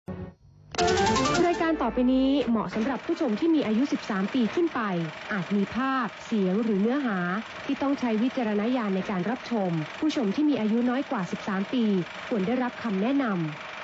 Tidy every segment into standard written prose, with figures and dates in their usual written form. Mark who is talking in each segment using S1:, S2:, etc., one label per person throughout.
S1: รายการต่อไปนี้เหมาะสำหรับผู้ชมที่มีอายุ 13 ปีขึ้นไป อาจมีภาพ เสียง หรือเนื้อหาที่ต้องใช้วิจารณญาณในการรับชม ผู้ชมที่มีอายุน้อยกว่า 13 ปีควรได้รับคำแนะนำ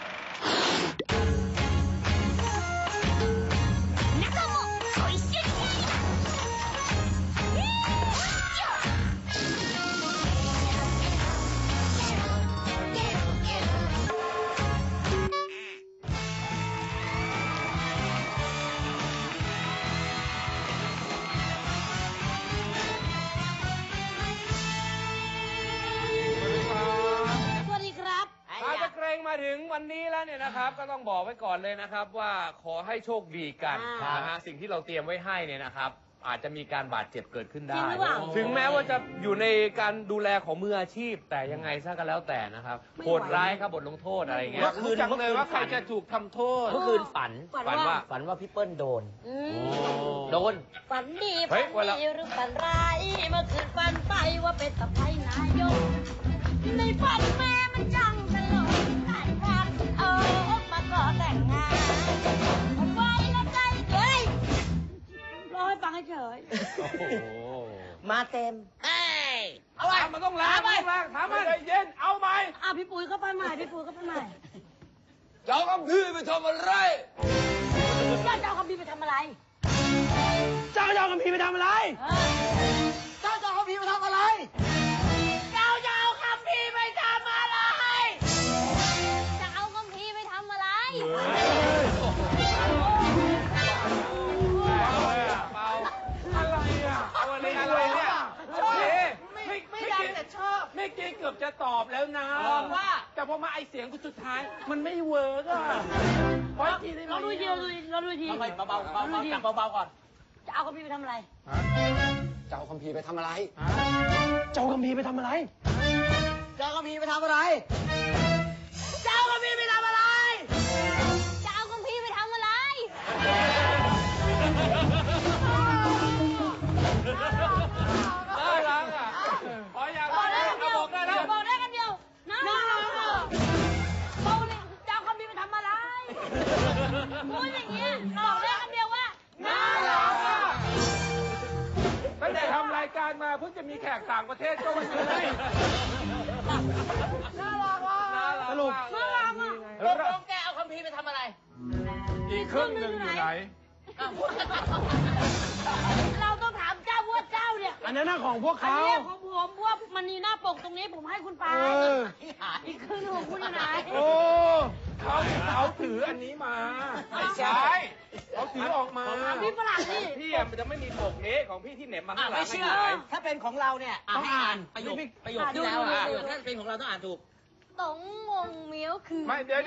S2: มาถึงวันนี้แล้วเนี่ยนะครับก็ต้องบอกไว้ก่อนเลยนะครับว่าขอให้โชคดีกันนะฮะสิ่งที่เราเตรียมไว้ให้เนี่ยนะครับอาจจะมีการบาดเจ็บเกิดขึ้นได้ถึงแม้ว่าจะอยู่ในการดูแลของมืออาชีพแต่ยังไงซะก็แล้วแต่นะครับโหดร้ายครับบทลงโทษอะไรเงี้ย
S3: เมื่อคืนเลยว่าใครจะถูกทำโทษ
S4: เมื่อคืนฝันว่าพี่เปิ้ลโดน
S5: ฝันดีหรือฝันร้ายเมื่อคืนฝันไปว่าเป็นสะใภ้นายกในฝันแม่มันจังตลกมาก่อแต่งงานผมไว้แล้วใจเฮ้ยรอให้ฟังเฉย
S4: มาเต็ม
S3: เอาไปมันต้องล้างถามมันใจเย็นเอาไหม
S5: พี่ปุ๋ยก็ไปใหม่
S3: เจ้าคำพีไปทำอะไร
S5: เจ้าคำพีไปทำอะไร
S3: เจ้าคำพีไปทำอะไรเจ้าคำพีไปทำอะไรไม่เกือบจะตอบแล้วนะว่าแต่พอมาไอเสียงสุดท้ายมันไม่เวิร์กอ่ะเพราะทีนี้
S5: เราดูที
S3: เบาจับเบาก่อน
S5: จะเอาคัมภีร์ไปทำอะไร
S3: เจ้าคัมภีร์ไปทำอะไรเจ้าคัมภีร์ไปทำอะไรเจ้าคัมภีร์ไปทำอะไรเจ้าคัมภีร์ไปทำอะไร
S5: จะเอาคัมภีร์ไปทำอะไร
S2: น่ารักอ่ะขออย่างบอก
S5: ได้กันเดียวนะบอกเลยจะเอาคัมภีร์ไปทำอะไรพูดอย่างนี้บอกได้กันเดียวว่าน่ารัก
S3: ตั้งแต่ทำรายการมาเพิ่งจะมีแขกต่างประเทศก็มาเลยน่ารักว่ะสรุป
S5: น่ารักอ่ะ
S4: ต้องแกเอาคัมภีร์ไปทำอะไร
S3: อีกครึ่งหนึ่งอยู่ไหน
S5: เราต้องถามเจ้าว่าเจ้าเนี่ย
S3: อันนั้นของพวกเขา
S5: อันนี้ของผมว่ามันมีหน้าปกตรงนี้ผมให้คุณไปอีกครึ่งของคุณอยู่ไหน
S3: โอ้เขาถืออันนี้มาไม่ใช่เขาถือออกมา
S5: พี่ฝรั่งนี่
S2: พี่มันจะไม่มีปกนี้ของพี่ที่เหน็บมาข้างหลัง
S4: ไม่เชื่อถ้าเป็นของเราเนี่ยต้องอ่านประโยคที่แล้วถ้าเป็นของเราต้องอ่านถูก
S5: ตงงงเมียวคือ
S3: ไม่เดี๋ยว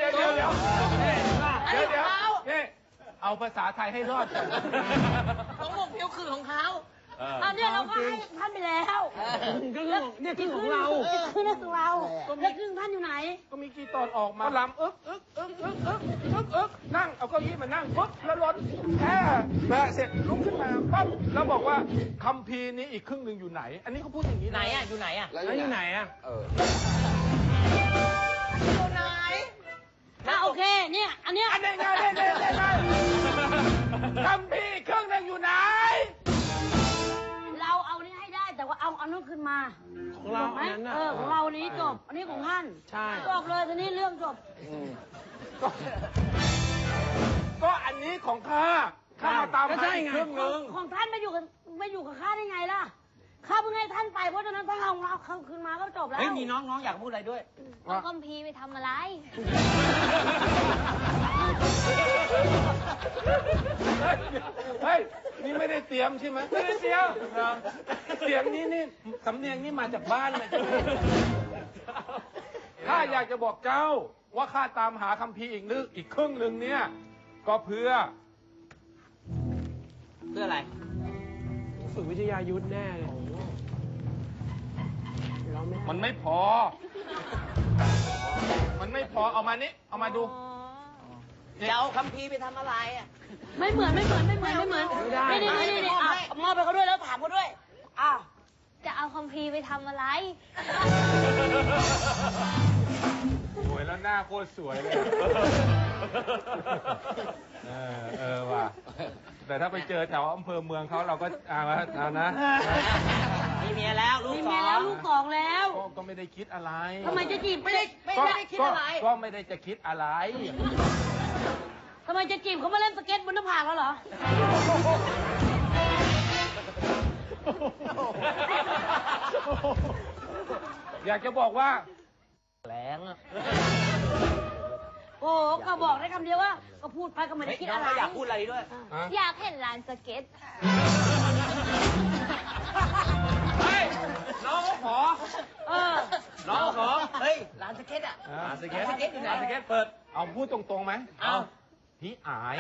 S3: เอาภาษาไทยให้รอดก่อน
S4: ต้องงงเมียวคือของเขา
S5: เนี่ยเราก็ให้ท่านไปแล้ว
S3: เนี่ยคือของเรา
S5: คือนั่นของเราแล้วครึ่งท่านอยู่ไหน
S3: ก็มีกี่ตอนออกมาลำนั่งเอาเก้าอี้มานั่งปุ๊บแล้วล้นแค่เสร็จลุกขึ้นมาปั๊บแล้วบอกว่าคัมภีร์นี้อีกครึ่งหนึ่งอยู่ไหนอันนี้เขาพูดอย่างนี้
S4: ไหนอ่ะอยู่ไหนอ่ะ
S3: แล้วอยู่ไหนอ่ะ
S5: อยู่ไหนโอเคเนี่ยอันเนี้ย
S3: ไงคัมภีร์ครึ่งหนึ่งอยู่ไหน
S5: เราเอานี้ให้ได้แต่ว่าเอานู้นขึ้นมา
S3: ของเราอันนั้น
S5: ของเรานี้จบอันนี้ของท่าน
S3: ใช่
S5: จบเลยทีนี้เรื่องจบ
S3: ก็อันนี้ของข้ามาตาม
S5: ครึ่งนึงของท่านมาอยู่กับข้าได้ไงล่ะข้าเพิ่งให้ท่านไปเพราะฉะนั้นถ้าเอาของเราเข้าคืนมาก็จบแล้ว
S4: มีน้องอยากพูดอะไรด้วย
S5: เอาคัมภีร์ไปทำอะไร
S3: เฮ้ยนี่ไม่ได้เตรียมใช่ไหมไม่ได้เตรียมเสียงนี้นี่สำเนียงนี่มาจากบ้านเลยข้าอยากจะบอกเจ้าว่าข้าตามหาคัมภีร์อีกครึ่งหนึ่งเนี่ยก็เพื่อ
S4: อะไร
S3: ฝึกวิทยายุทธแน่เลยมันไม่พอเอามานี่เอามาดู
S4: จะเอาคัมภีร์ไปทำอะไรอ่ะ
S5: ไม่เหมือนนี่มอบไปเขาด้วยแล้วถามเขาด้วยจะเอาคัมภีร์ไปทำอะไร
S3: โอ้ย
S6: แล้วหน้าโคตรสวยเลยว่ะแต่ถ้าไปเจอแถวอำเภอเมืองเขาเราก็เอานะ
S4: มีเมียแล้วลูก
S5: มี
S4: ส
S5: เมีย
S4: อ
S5: แล้ว
S4: ง
S5: ลูกสองแล้ว
S6: ก็ไม่ได้คิดอะไร
S5: ทำไมจะจีบไม่ได้
S6: ก็ไม่ได้จะคิดอะไร
S5: ทำไมจะจีบเขามาเล่นสเก็ตบนหน้าผากแล้วเหรอ
S6: อยากจะบอกว่า
S4: แรงอ่ะ
S5: โอ้ก็บอกได้คำเดียวว่า ก็พูดไปก็ไม่ได้คิดอะไร
S4: อยากพูดอะไรด้วย
S5: อยากเห็นร้านสเก็ต
S2: เฮ้ย น้องเขาขอ
S5: เออ
S2: น้องเขาขอ
S4: เฮ้ยร้านสเก็ตอ่ะ
S2: ร้านสเก็ต
S4: ร้านสเก็ตอยู่ไหน
S2: ร้านสเก็ตเปิด
S6: เอาพูดตรงๆไหม
S4: เอา
S6: พี่อาย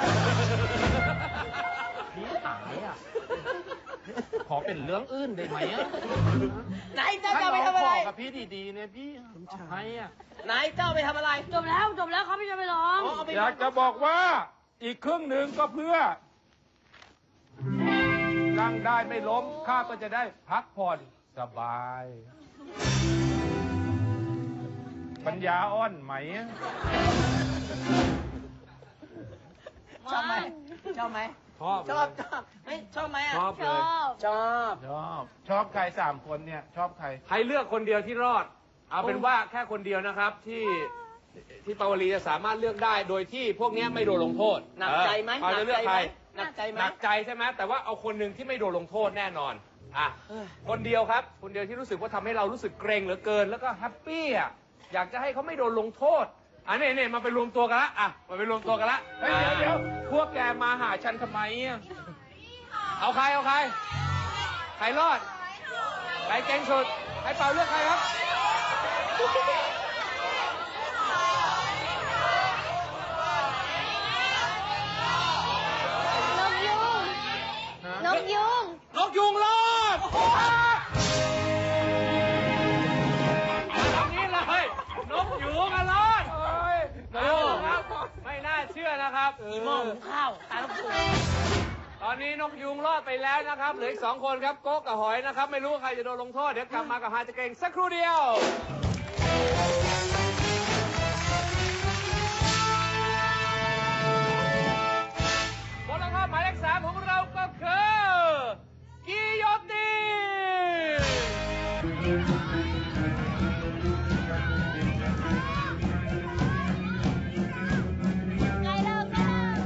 S6: พี่อายอ่ะ ขอเป็นเรื่องอื่นได้ไหมอ่ะ
S4: ไหนเจ้าจะไปทำอะไร
S6: ถ้าน้องขอกับพี่ดีๆเนี่ยพี่ให้อ่ะ
S4: ไหนเจ้าไปทำอะไร
S5: จบแล้วเขาไม่จะไปร้อง
S4: เอาไป
S6: อยากจะบอกว่าอีกครึ่งหนึ่งก็เพื่อ นั่งได้ไม่ล้มข้าก็จะได้พักผ่อนสบาย ปัญญาอ่อนไหม
S4: ชอบไหมชอบไหม
S6: ชอบ
S4: ชอบชอบไม่ชอบไหมอ่ะ
S6: ชอบเลย
S4: ชอบ
S6: ชอบใครสามคนเนี่ย ชอบใคร
S2: ให้เลือกคนเดียวที่รอด เอาเป็นว่าแค่คนเดียวนะครับที่ปาวลีจะสามารถเลือกได้โดยที่พวกเนี้ยไม่โดนลงโทษ
S4: หนักใจไหม
S2: เขาจะเลือกใคร
S4: หนักใจไหม
S2: หนักใจใช่ไหมแต่ว่าเอาคนหนึ่งที่ไม่โดนลงโทษแน่นอนอ่ะคนเดียวครับ คนเดียวที่รู้สึกว่าทำให้เรารู้สึกเกรงเหลือเกิน แล้วก็แฮปปี้อ่ะอยากจะให้เขาไม่โดนลงโทษอันนี้มาไปรวมตัวกันละอ่ะมาไปรวมตัวกันละเฮ้ยเดี๋ยวพวกแกมาหาฉันทำไมอ่ะเอาใครใครรอดใครเก่งสุดใครเป่าเลือกใครครับ
S5: นกยุง
S2: นกยุงรอดตรงนี้เลยนกยุงอะรอดเอาครับไม่น่าเชื่อนะครับ
S4: อีหม้อหุงข้าวตาลูกปู
S2: ตอนนี้นกยุงรอดไปแล้วนะครับเหลืออีก2 คนครับโก๊กกับหอยนะครับไม่รู้ว่าใครจะโดนลงโทษเดี๋ยวกลับมากับฮาจะเก่งสักครู่เดียวบทลงโทษหมายเลข3ของเราก็คือกิโยติน
S5: ไงเลิกกัน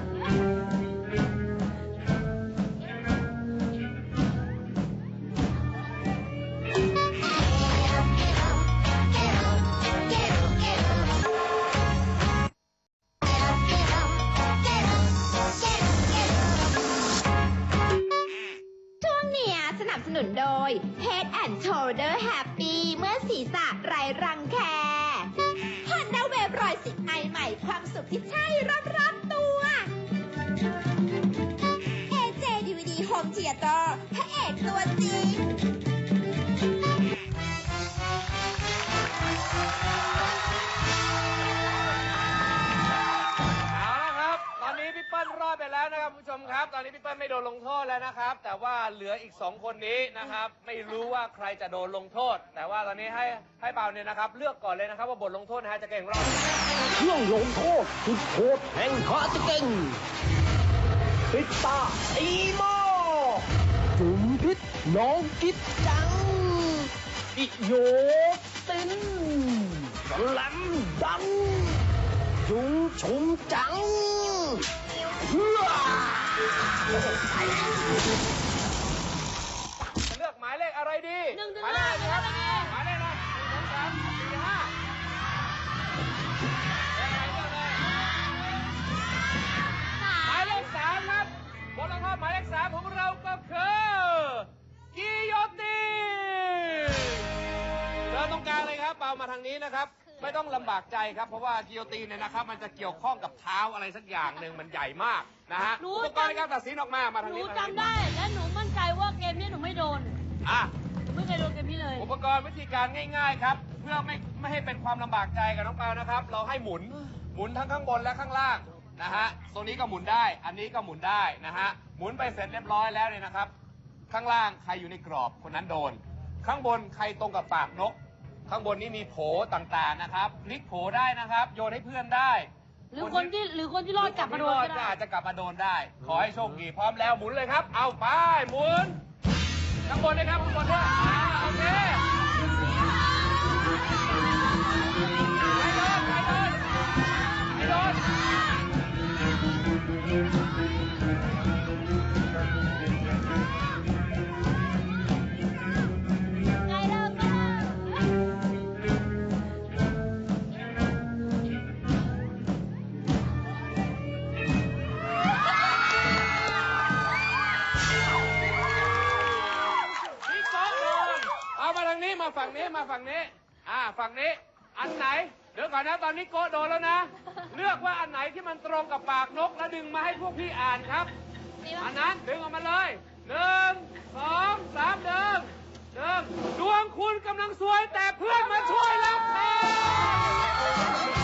S7: ช่วงเนี้ยสนับสนุนโดย Head and Shoulder Happy เมื่อศีรษะไร้รังแค Honda Wave 110 i ใหม่ความสุขที่ใช่รอบๆตัว AJ DVD Home Theater พระเอกตัวจริง
S2: เอาละครับ ตอนนี้พี่เปิ้ลรอดไปแล้วนะครับคุณผู้ชมครับ ตอนนี้พี่เปิ้ลไม่โดนลงโทษแล้วนะครับ แต่ว่าเหลืออีก2 คนนี้นะครับ ไม่รู้ว่าใครจะโดนลงโทษ แต่ว่าตอนนี้ให้เปาเนี่ยนะครับ เลือกก่อนเลยนะครับว่าบทลงโทษนะฮะจะเก่งรอด
S3: เครื่องลงโทษสุดโหดแห่งขาจะเก่งปิดตาอีโมจุ่มพิษน้องกิ๊บจังอิโยตินสแลมดังจุงชุมจังเฮือ
S2: จะเลือกหมายเลขอะไรดี
S5: 1 ถึง
S2: หมายเลขอะไรดีครับ
S5: 5
S2: หมายเลขอะไร1 2 3 4 5หมายเลข3ครับบทลงโทษหมายเลข3ของเราก็คือกิโยตินเดินตรงกลางเลยครับเปามาทางนี้นะครับ ไม่ต้องลำบากใจครับ เพราะว่ากิโยตินเนี่ยนะครับ มันจะเกี่ยวข้องกับเท้าอะไรสักอย่างหนึ่งมันใหญ่มากนะฮะ
S5: หนู
S2: อุปกรณ์ในการตัดสินออกมาทาง
S5: หนู
S2: นี้
S5: จำได้ และหนูมั่นใจว่าเกมนี้หนูไม่โดน
S2: อ่ะ
S5: หนูไม่เคยโดนเกมนี้เลย
S2: อุปกรณ์วิธีการง่ายๆครับ เพื่อไม่ให้เป็นความลำบากใจกับน้องเปานะครับ เราให้หมุนทั้งข้างบนและข้างล่างนะฮะตรงนี้ก็หมุนได้ อันนี้ก็หมุนได้นะฮะหมุนไปเสร็จเรียบร้อยแล้วเนี่ยนะครับ ข้างล่างใครอยู่ในกรอบคนนั้นโดน ข้างบนใครตรงกับปากนกข้างบนนี้มีโผต่างๆนะครับพลิกโผได้นะครับ โยนให้เพื่อนได้
S5: หรือคนที่รอดกลับมาโดนก็ได้
S2: อาจจะกลับมาโดนได้ ขอให้โชคดีพร้อมแล้วหมุนเลยครับ เอาไปหมุนข้างบนนะครับข้างบนด้วยโอเคไม่โดนมาฝั่งนี้ฝั่งนี้อันไหนเดี๋ยวก่อนนะตอนนี้โกะโดนแล้วนะเลือกว่าอันไหนที่มันตรงกับปากนกแล้วดึงมาให้พวกพี่อ่านครับอันนั้นดึงออกมาเลย1 2 3ดึงดวงคุณกำลังซวยแต่เพื่อนมาช่วยแล้ว